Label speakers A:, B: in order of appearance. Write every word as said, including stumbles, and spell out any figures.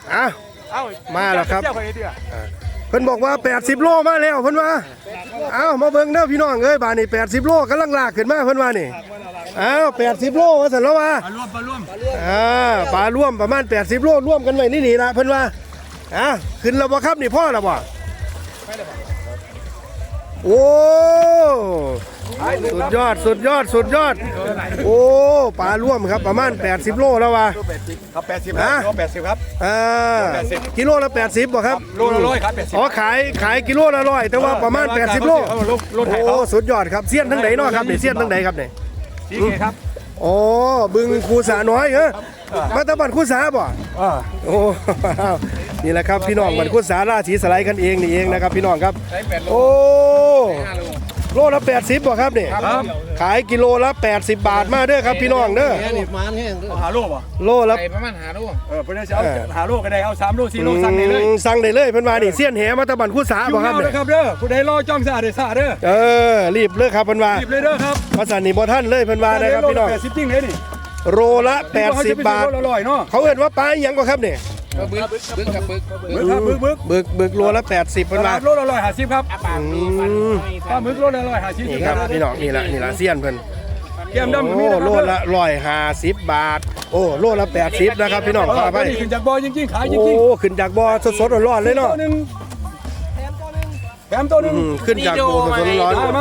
A: อ่ะมาแล้วครับเพิ่นบอกว่าแปดสิบโลมาแล้วเพิ่นว่าเอ้ามาเบิ่งเด้อพี่น้องเอ้ยบาดนี้แปดสิบโลกำลังลากขึ้นมาเพิ่นว่านี่เอ้าแปดสิบโลว่าซั่นแล้วว่าปลาร่วมปลาร่วมอ่าปลาร่วมประมาณแปดสิบโลร่วมกันไว้นี่นี่ล่ะเพิ่นว่าอ่ะขึ้นแล้วบ่ครับนี่พ่อแล้วบ่โอ้สุดยอดสุดยอดสุดยอดโอ้ปลาร่วมครับประมาณแปดสิบโลแล้วว่ะ
B: ครับแปดสิบครับโลแปดสิบครับ
A: อ่ากิโลละแปดสิบบ่ครับ
B: โลละร้อยครับแปดสิบ
A: อ๋อขายขายกิโลละร้อยแต่ว่าประมาณแปดสิบโลโอ้สุดยอดครับเสี้ยนทั้งไหนเนาะครับนี่เสี้ยนทั้งไหนครับนี่
B: สีเกครับ
A: อ๋อบึงคูสาน้อยเหรอมาตะบันคูสาบ่โอ้นี่แหละครับพี่น้องบันคูสาราศีสไลด์กันเองนี่เองนะครับพี่น้องครับโอ้โลละแปดสิบบ่ครับนี่ขายกิโลละแปดสิบบาทมาเด้อครับพี่น้องเด้อ
B: หาโลป่ะ
A: โลละ
C: ประมาณหาโล
B: เออเพิ่นจะเอาหาโลก็ได้เอาสามโลสี่โลสั่งได้เลย
A: สั่งได้เลยเพิ่นว่านี่เสี้ยนแหมาตะบันคูสาบ่ครับ
B: เนี่ยครับเด้อผู้ใดรอจ้องสะอาดได้สะอาดเด้อ
A: เออรีบเลยครับเพิ่นว่า
B: รีบเลยเด้อครับ
A: ภาษานี่บ่ทันเลยเพิ่นว่านะครับพี่น้อง
B: แปดสิบจริงเลยนี่
A: โลละแปดสิบบาทเขาเอิ้นว่าปลาอีหยังกว่าครับนี่
C: บึกบึกครับบึก
B: บึกครับบึกบึก
A: บึกบึกโลละแปดสิบเพิ่นว่า
B: โลละร้อยห้าสิบครับปลาบึกโลละร้อยห้าสิบ
A: นี่ครับพี่น้องนี่ละนี่ละเสี้ยนเพิ่น
B: แก้มดำ
A: โอ้โลละร้อยห้าสิบบาทโอ้โลละแปดสิบนะครับพี่น้องขออภัย
B: ขึ้นจากบ่อจริงๆขายจริง
A: ๆโอ้ขึ้นจากบ่อสดๆร้อนๆเลยเนาะ
B: แถมตัวนึงแถมตัวนึง
A: ขึ้นจากบ่อสดๆร้อนๆ